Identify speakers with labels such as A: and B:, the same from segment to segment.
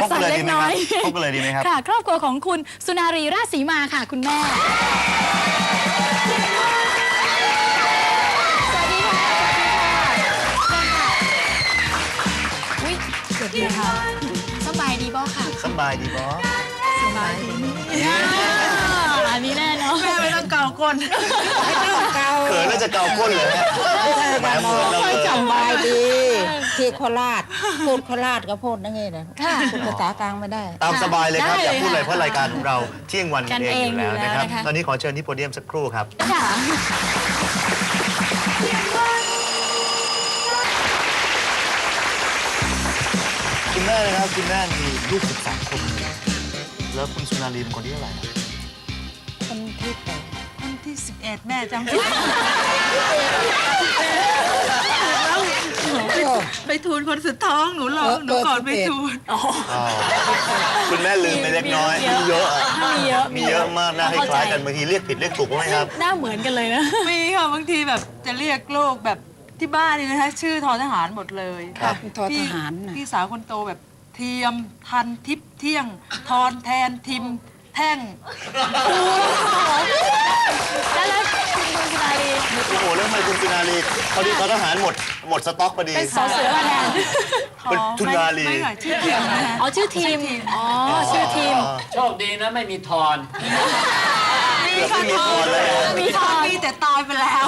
A: สั่นเล็กน้อยพบกันเลยดีไหมครับค่ะครอบครัวของคุณสุนารีราชสีมาค่ะคุณแม่สวัสดีค่ะอุ้ยสวัสดีค่ะสบายดีบ่ค่ะ
B: สบายดีบ่
A: สบายดีอันนี้แน่เนาะ
C: แม่ไม่ต้องเกาก้นไม่ต้องเกา
B: เขินแล้วจะเกาก้นเลยแหมเหมือนเราเลย
C: สบายดีที่โคราชพูดโคราชก็พูดนั่นเองนะพูดภาษากลางไม่ได้
B: ตามสบายเลยครับอยากพูดอะไรเพราะรายการของเราเที่ยงวันกันเองอยู่แล้วนะครับตอนนี้ขอเชิญที่โพเดียมสักครู่ครับคุณแม่นะครับคุณแม่มีลูก13 คนแล้วคุณสุนารีเป็นคนที่เท่าไหร่
C: คนที่8
D: คนที่11แม่จำไม่ได้ไปทูลคนสุดท้องหนูหรอกหนูก่อนไปทูล
B: คุณแม่ลืมไปเล็กน้อยมีเยอะมีเยอะมากน่าคล้ายกันบางทีเรียกผิดเรียกถูกไหมครับ
A: หน้าเหมือนกันเลยนะ
D: มีค่ะบางทีแบบจะเรียกลูกแบบที่บ้านนี่นะคะชื่อทอทหารหมดเลย
C: ทอทหาร
D: พี่สาวคนโตแบบเทียมทันทิพย์เที่ยงทอนแทนทิมแท่ง
A: แล้วคุณสุนารี
B: โอ้โหเรื่องอะไรคุณสุนารีพอดีทอทหารหมดสต็อกพอดี
A: เป็นสอเสือมาแทน
B: เป็นสุนารี
D: ไม่ค่ะชื่อทีมนะ
A: อ๋อชื่อทีมอ๋อชื่อทีม
E: โชคดีนะไม่มีทอน
D: มีค่ะทอนมีแต่ตายไปแล้ว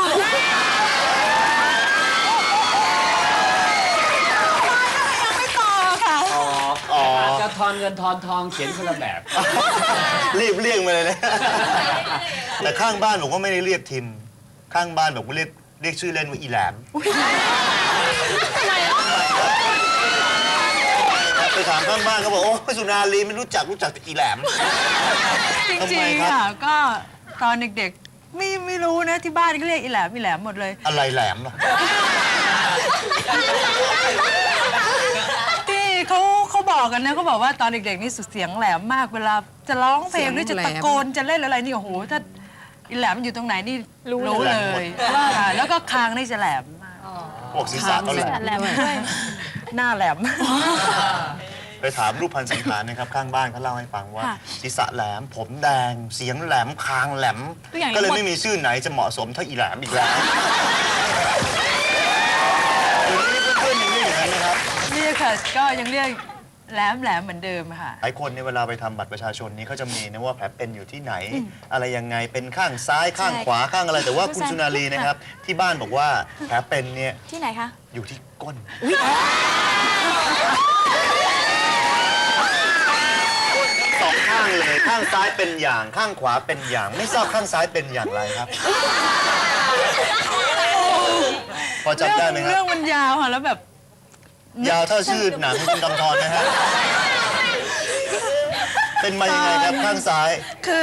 E: จะทอนเงินทอนทองเขียนคนละแบบ
B: รีบเรียกมาเลยนะแต่ข้างบ้านผมก็ไม่ได้เรียกทิมข้างบ้านผมก็เรียกชื่อเล่นว่าอีแหลมไปถามข้างบ้านเขาบอกโอ้สุนารีไม่รู้จักแต่อีแหลม
D: จริงๆค่ะก็ตอนเด็กๆไม่รู้นะที่บ้านก็เรียกอีแหลมหมดเลย
B: อะไรแหลมล่ะ
D: เขาบอกกันนะเขาบอกว่าตอนเด็กๆนี่สุดเสียงแหลมมากเวลาจะร้องเพลงหรือจะตะโกนจะเล่นอะไรนี่โอ้โหถ้าอีแหลมอยู่ตรงไหนนี่รู้เลยแล้วก็คางนี่จะแหลมมาก
B: พวกศีรษะก็แหลม
D: ด้วยหน้าแหลม
B: ไปถามรูปพันธ์สันฐานนะครับข้างบ้านเขาเล่าให้ฟังว่าศีรษะแหลมผมแดงเสียงแหลมคางแหลมก็เลยไม่มีชื่อไหนจะเหมาะสมเท่าอีแหลมอีกแล้วเพื่อนๆยังเรียกอย่างนั้นนะครับ
D: นี่ค่ะก็ยังเรียกแหลมเหมือนเดิมค่ะ
B: หลายคนในเวลาไปทำบัตรประชาชนนี้เขาจะมีนะว่าแผลเป็นอยู่ที่ไหนอะไรยังไงเป็นข้างซ้ายข้างขวาข้างอะไรแต่ว่าคุณสุนารีนะครับที่บ้านบอกว่าแผลเป็นเนี่ย
A: ที่ไหนคะ
B: อยู่ที่ก้นสองข้างเลยข้างซ้ายเป็นอย่างข้างขวาเป็นอย่างไม่ทราบข้างซ้ายเป็นอย่างไรครับพอจำได้ไหมครับ
D: เรื่องมันยาวค่ะแล้วแบบ
B: ยาวเท่าชื่อหนังคุณกำธรนะฮะเป็นมายังไงครับข้างซ้าย
D: คือ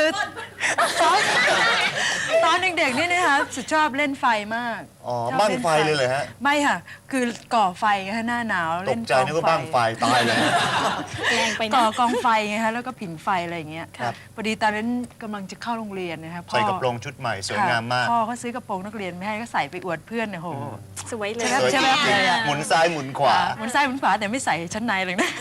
D: ตอนเด็กๆนี่นะคะสุดชอบเล่นไฟมาก
B: อ๋อบ้างไฟเลยเหรอฮะ
D: ไม่ค่ะคือก่อไฟไงคะหน้าหนาว
B: เล่นตกใจนึกว่าบ้างไฟตายเลย
D: ก่อกองไฟไงคะแล้วก็ผิงไฟอะไรอย่างเงี้ยพอดีตอนนั้นกำลังจะเข้าโรงเรียนนะคะ
B: ใส่กระโปรงชุดใหม่สวยงามมาก
D: พ่อเขาซื้อกระโปรงนักเรียนไม่ให้ก็ใส่ไปอวดเพื่อนเนี่ยโห
A: สวยเลย
D: ใช่ไหม
B: หมุนซ้ายหมุนขวา
D: หมุนซ้ายหมุนขวาแต่ไม่ใส่ชั้นในเลยนะ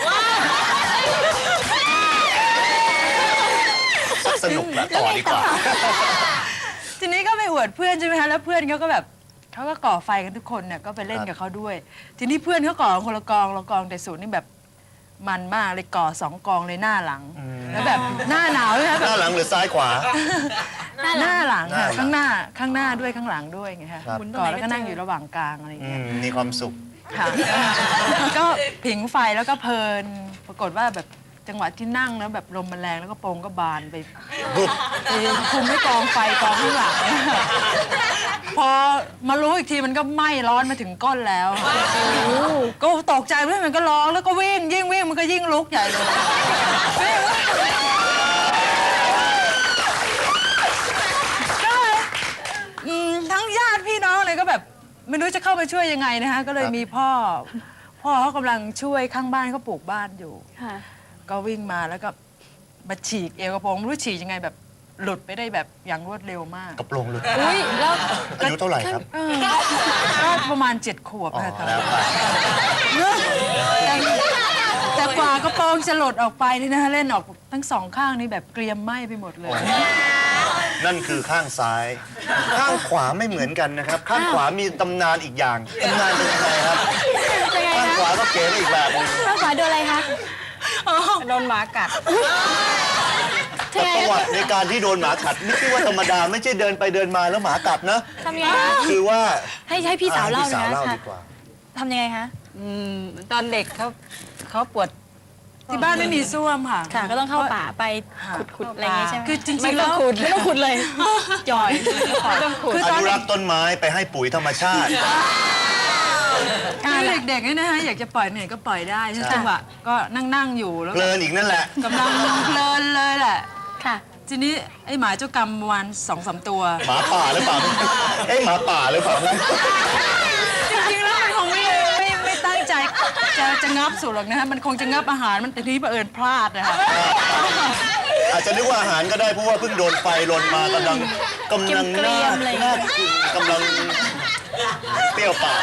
B: สนุกนะต่อดีกว่า
D: ทีนี้ก็ไปอวดเพื่อนใช่ไหมคะแล้วเพื่อนเขาก็แบบเขาก็ก่อไฟกันทุกคนเนี่ยก็ไปเล่นกับเขาด้วยทีนี้เพื่อนเขาก่อคนละกองแต่สูตรนี่แบบมันมากเลยก่อ2 กองเลยหน้าหลังแล้วแบบหน้าหนาวเลยค่ะ
B: หน้าหลังหรือซ้ายขวา
D: หน้าหลังค่ะข้างหน้าด้วยข้างหลังด้วยไงคะก่อแล้วก็นั่งอยู่ระหว่างกลางอะไรอย่างเงี้ย
B: มีความสุข
D: ค่ะก็ผิงไฟแล้วก็เพลินปรากฏว่าแบบจังหวะที่นั่งแล้วแบบลมมันแรงแล้วก็โปรงก็บานไปคุมไม่กองไฟกองข้างหลังพอมารู้อีกทีมันก็ไหม้ร้อนมาถึงก้นแล้วก็ตกใจเพื่อนมันก็ร้องแล้วก็วิ่งยิ่งวิ่งมันก็ยิ่งลุกใหญ่เลยก็ทั้งญาติพี่น้องเลยก็แบบไม่รู้จะเข้าไปช่วยยังไงนะคะก็เลยมีพ่อเขากำลังช่วยข้างบ้านเขาปลูกบ้านอยู่ก็วิ่งมาแล้วก็มาฉีกเอวกระโปรงไม่รู้ฉีกยังไงแบบหลุดไปได้แบบอย่างรวดเร็วมาก
B: กระโปรงหลุด
A: แล้ว
B: อายุเท่าไหร่ครับ
D: ก็ประมาณ7 ขวบค่ะตอนนั้นแต่กว่ากระโปรงจะหลุดออกไปนี่นะคะเล่นออกทั้งสองข้างนี่แบบเกรียมไหม้ไปหมดเลย
B: นั่นคือข้างซ้าย ข้างขวาไม่เหมือนกันนะครับ ข้างขวามีตำนานอีกอย่างตำนานเป็นยังไงครับ
A: ยังไง
B: ข้าง
A: คะ
B: ขวาก็เก๋ไปอีกแบบหนึง
A: ข้างขวาโดนอะไรคะ
C: โดนหมากัด
B: แต่ประวัติในการที่โดนหมากัดไม่ใช่ว่าธรรมดาไม่ใช่เดินไปเดินมาแล้วหมากัดนะ
A: ทำยังไงคะ
B: คือว่า
A: ให้พี่สาวเล่า
B: พี่สาว
A: นะ
B: เล่า
A: คะ
B: ดีกว่า
A: ทำยังไงคะ
C: ตอนเด็กเขาปวด
D: ที่บ้านไม่มีส้วมค่ะ
A: ค่ะ ก็ต้องเข้าป่าไปขุดอะไรอย่างงี้ใช่ไหม
D: คือจริงๆ
A: ไม่ต้
D: แล้
A: อง
D: ว
A: ขุดไม่ต้องขุดเลยจ่อย
D: คือ
B: อ
D: ตอน
B: นุรักษ์ต้นไม้ไปให้ปุ๋ยธรรมชาติ
D: คือเด็กๆเนี่ยนะคะอยากจะปล่อยไหนก็ปล่อยได้ใช่จังหวะก็นั่งอยู่แล้ว
B: เพลินอีกนั่นแหละ
D: กำลังเพลินเลยแหละ
A: ค่ะ
D: ทีนี้ไอ้หมาเจ้ากรรมวัน2-3 ตัว
B: หมาป่าหรือเปล่า เอ๊ะหมาป่าหรือเปล่า
D: จริงๆแล้วมันคงไม่ตั้งใจจะงับสุดหรอกนะฮะมันคงจะงับอาหารมันแต่ทีนี้บังเอิญพลาดนะคะ
B: อาจจะนึกว่าอาหารก็ได้เพราะว่าเพิ่งโดนไฟลนมากำลัง
A: เกรี
B: น่าย
A: มๆอะไรอย่าง
B: น่า
A: เงี้ย
B: กินกำลังเปรี้ยวปาก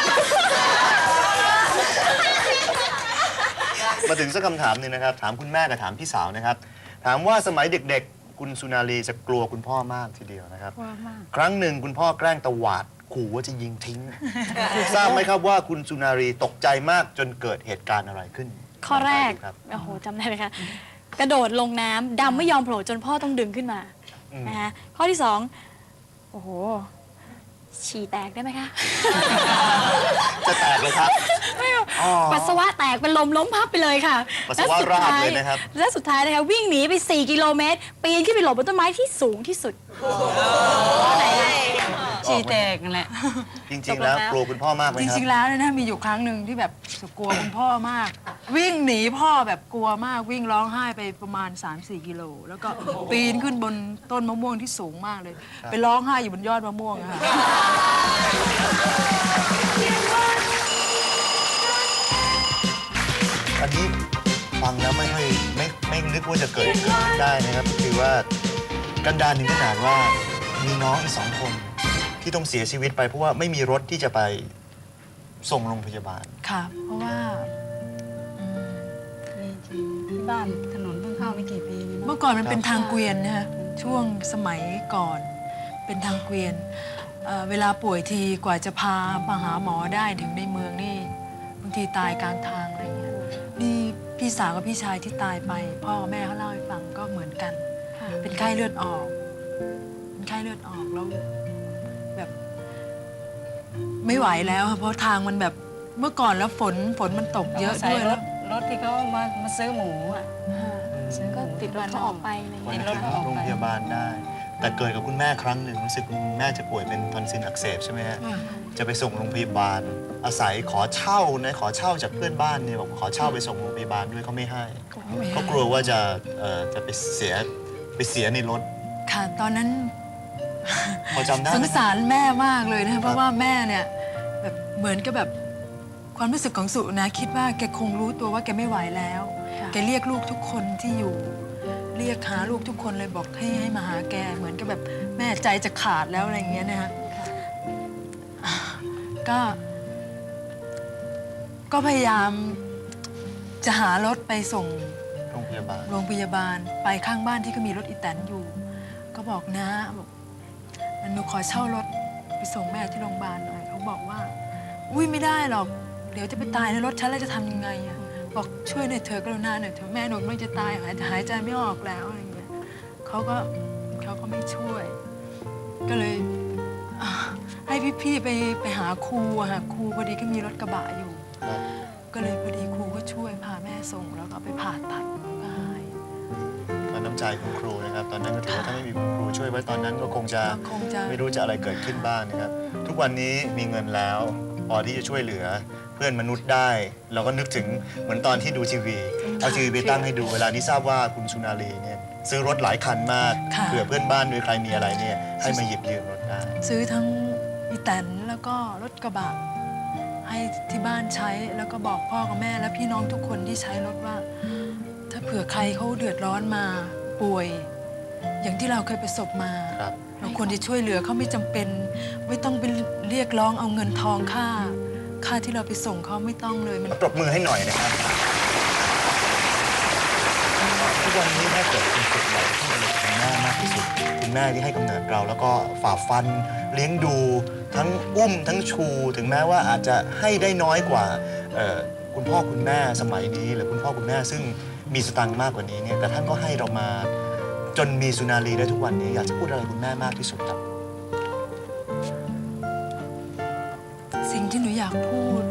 B: มาถึงสักคำถามหนึงนะครับ ถามคุณแม่กับถามพี่สาวนะครับ ถามว่าสมัยเด็กๆ คุณสุนารีจะกลัวคุณพ่อมากทีเดียวนะครับ ครั้งหนึ่งคุณพ่อแกล้งตวาดขู่ว่าจะยิงทิ้ง ทราบไหมครับว่าคุณสุนารีตกใจมากจนเกิดเหตุการณ์อะไรขึ้น
A: ข้อแรก
B: ครับ
A: โอ้โหจำได้ไหมคะ กระโดดลงน้ำดำไม่ยอมโผล่จนพ่อต้องดึงขึ้นมา นะคะข้อที่สองโอ้โห ฉี่แตกได้ไหมคะ
B: จะแตกเลยครับ อ๋อ
A: ปัสสาวะแตกเป็นลมล้มพับไปเลยค่ะ
B: ปัสสาวะราดเลยนะครับ
A: และสุดท้ายนะคะวิ่งหนีไป 4 กิโลเมตร ปีนขึ้นไปหลบบนต้นไม้ที่สูงที่สุดข้อไหนคะ
C: ฉี่แตกนั่นแหละ
B: จริงๆแล้วกลัวคุณพ่อมากไหม
D: จ
B: ครับ
D: ริงๆแล้วเนี่ยนะมีอยู่ครั้งหนึ่งที่แบบกลัวคุณพ่อมาก วิ่งหนีพ่อแบบกลัวมากวิ่งร้องไห้ไปประมาณ 3-4 กิโลแล้วก็ปีนขึ้นบนต้นมะม่วงที่สูงมากเลย ไปร้องไห้อยู่บนยอดมะม่วงอะค่ะ
B: อันนี้ฟังแล้วไม่นึกว่าจะเกิดขึ้นได้นะครับก็คือว่ากันดารถึงขนาดว่ามีน้องอีก2 คน ที่ต้องเสียชีวิตไปเพราะว่าไม่มีรถที่จะไปส่งโรงพยาบาล
D: ค่ะ เพราะว่า
C: ที่บ้านถนนเพิ่งเข้าไม่กี่ปีนี่
D: เมื่อก่อนมันเป็นทางเกวียนนะฮะช่วงสมัยก่อนเป็นทางเกวียนเวลาป่วยทีกว่าจะพามาหาหมอได้ถึงในเมืองนี่บางทีตายกลางทางอะไรเงี้ยนี่พี่สาวกับพี่ชายที่ตายไปพ่อแม่เขาเล่าให้ฟังก็เหมือนกัน เป็นไข้เลือดออกเป็นไข้เลือดออกแล้วแบบไม่ไหวแล้วค่ะเพราะทางมันแบบเมื่อก่อนแล้วฝนมันตกเยอะ
C: ใส่
D: ด้วย
C: ร
D: แล้ว
C: ถที่เขามาซื้อหมูอ่ะ
A: ก็ติดรถเขาออกไปอะไรอย่าง
B: วัน
A: เงี้ย
B: ถึงโรงพยาบาลได้ แต่เกิดกับคุณแม่ครั้งหนึ่งรู้สึกคุณแม่จะป่วยเป็นทอนซิลอักเสบใช่ไหมฮะจะไปส่งโรงพยาบาล อาศัยขอเช่าจากเพื่อนบ้านเนี่ยบอกขอเช่าไปส่งโรงพยาบาลด้วยเขาไม่ให้เขากลัวว่าจะไปเสียในรถ
D: ค่ะตอนนั้น
B: พอจำได้
D: ส
B: ไห
D: ง
B: ม
D: สารแม่มากเลยนะคะเพราะว่าแม่เนี่ยแบบเหมือนกับแบบความรู้สึกของสุนะคิดว่าแกคงรู้ตัวว่าแกไม่ไหวแล้ว แกเรียกลูกทุกคนที่อยู่ เรียกหาลูกทุกคนเลยบอกให้มาหาแกเหมือนกับแบบแม่ใจจะขาดแล้วอะไรอย่างเงี้ยนะคะก็พยายามจะหารถไปส่ง
B: โรงพยาบาล
D: โรงพยาบาลไปข้างบ้านที่ก็มีรถอีแตนอยู่ ก็บอกนะบอกหนูขอเช่ารถไปส่งแม่ที่โรงพยาบาลหน่อยเขาบอกว่าอุ้ยไม่ได้หรอกเดี๋ยวจะไปตายในรถฉันแล้วจะทำยังไงอะบอกช่วยหน่อยเถอะกรุณาหน่อยเถอะแม่หนูไม่จะตายหายใจไม่ออกแล้วอะไรอย่างเงี้ยเขาก็ไม่ช่วย ก็เลยให้พี่ๆไปหาครูอะค่ะครูพอดีก็มีรถกระบะอยู่ ก็เลยพอดีครูก็ช่วยพาแม่ส่งแล้วก็ไปผ่าตัดก็หาย
B: ก็น้ำใจของครูนะครับ ตอนนั้นก็ถือว่าถ้าไม่มีคุณครูช่วยไว้ตอนนั้นก็คงจะไม่รู้จะอะไรเกิดขึ้นบ้างนะครับ ทุกวันนี้มีเงินแล้วพอที่จะช่วยเหลือเพื่อนมนุษย์ได้ เราก็นึกถึงเหมือนตอนที่ดูทีวีเอาทีวีไปตั้งให้ดูเวลานี้ทราบว่าคุณสุนารีเนี่ยซื้อรถหลายคันมากเผื่อเพื่อนบ้านหรือใครมีอะไรเนี่ยให้มาหยิบยืมรถได้
D: ซื้อทั้งอีแตนแล้วก็รถกระบะให้ที่บ้านใช้แล้วก็บอกพ่อกับแม่และพี่น้องทุกคนที่ใช้รถว่า ถ้าเผื่อใครเขาเดือดร้อนมาป่วย อย่างที่เราเคยประสบมา
B: ครับ
D: เราควรจะช่วยเหลือเขาไม่จำเป็น ไม่ต้องไปเรียกร้องเอาเงินทองค่าที่เราไปส่งเขาไม่ต้องเลยมัน
B: ปรบมือให้หน่อยนะครับกวันนี้ถ้าเกิดคุณสุดอยากจะพูดอะไรกับคุณแม่มากที่สุดคุณแม่ที่ให้กำเนิดเราแล้วก็ฝ่าฟันเลี้ยงดูทั้งอุ้มทั้งชู ถึงแม้ว่าอาจจะให้ได้น้อยกว่าคุณพ่อคุณแม่สมัยนี้หรือคุณพ่อคุณแม่ซึ่งมีสตังค์มากกว่านี้เนี่ยแต่ท่านก็ให้เรามาจนมีสุนารีได้ทุกวันนี้อยากจะพูดอะไรคุณแม่มากที่สุดครับ
D: สิ่งที่หนูอยากพูด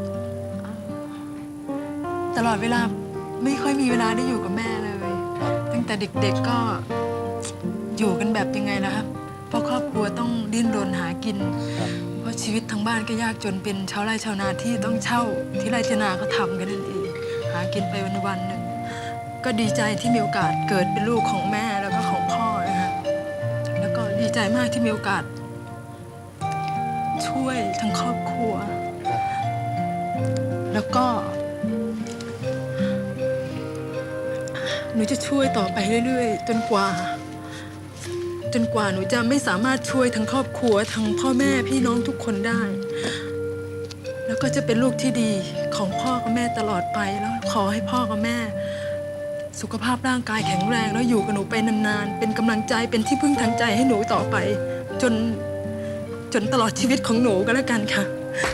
D: ตลอดเวลาไม่ค่อยมีเวลาได้อยู่กับแม่เลย ตั้งแต่เด็กๆก็อยู่กันแบบยังไงนะครับเพราะครอบครัวต้องดิ้นรนหากิน เพราะชีวิตทั้งบ้านก็ยากจนเป็นชาวไร่ชาวนาที่ต้องเช่าที่ไร่ที่นาก็ทำกันนั่นเองหากินไปวันๆหนึ่งก็ดีใจที่มีโอกาสเกิดเป็นลูกของแม่แล้วก็ของพ่อนะคะแล้วก็ดีใจมากที่มีโอกาส ช่วยทั้งครอบครัว แล้วก็ หนูจะช่วยต่อไปเรื่อยๆ จนกว่าหนูจะไม่สามารถช่วยทั้งครอบครัวทั้งพ่อแม่พี่น้องทุกคนได้ แล้วก็จะเป็นลูกที่ดีของพ่อกับแม่ตลอดไปแล้วขอให้พ่อกับแม่ สุขภาพร่างกายแข็งแรงแล้วอยู่กับหนูไปนานๆเป็นกำลังใจเป็นที่พึ่งทางใจให้หนูต่อไป จนตลอดชีวิตของหนูก็แล้วกันค่ะ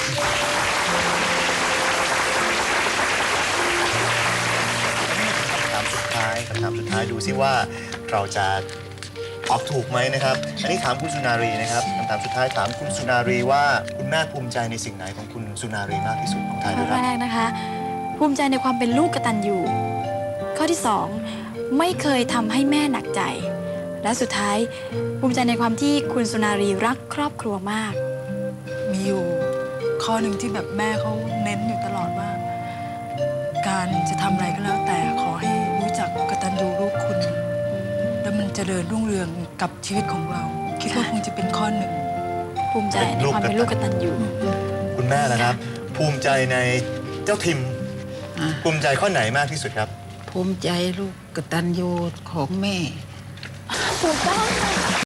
B: คำถามสุดท้ายดูซิว่าเราจะตอบถูกไหมนะครับ อันนี้ถามคุณสุนารีนะครับคำถามสุดท้ายถามคุณสุนารีว่าคุณแม่ภูมิใจในสิ่งไหนของคุณสุนารีมากที่สุดของไทย
A: ข้
B: ด้
A: อ
B: วยครับ
A: แรกนะคะ ภูมิใจในความเป็นลูกกตัญญูข้อที่สองไม่เคยทำให้แม่หนักใจ และสุดท้ายภูมิใจในความที่คุณสุนารีรักครอบครัวมาก
D: มีอยู่ข้อหนึ่งที่แบบแม่เขาเน้นอยู่ตลอดว่า การจะทำอะไรก็แล้วแต่ขอให้รู้จักกตัญญูรู้คุณ แล้วมันจเจริญรุ่งเรืองกับชีวิตของเรา คิดว่าคงจะเป็นข้อหนึ่ง
A: ภูมิใจในความเป็นลูกกตัญญู
B: คุณแม่นะครับ ภูมิใจในเจ้าทิม
C: อ่ะ
B: ภูมิใจข้อไหนมากที่สุดครับ
C: ภูมิใจลูกกตัญญูของแม่
A: ถูกต้อง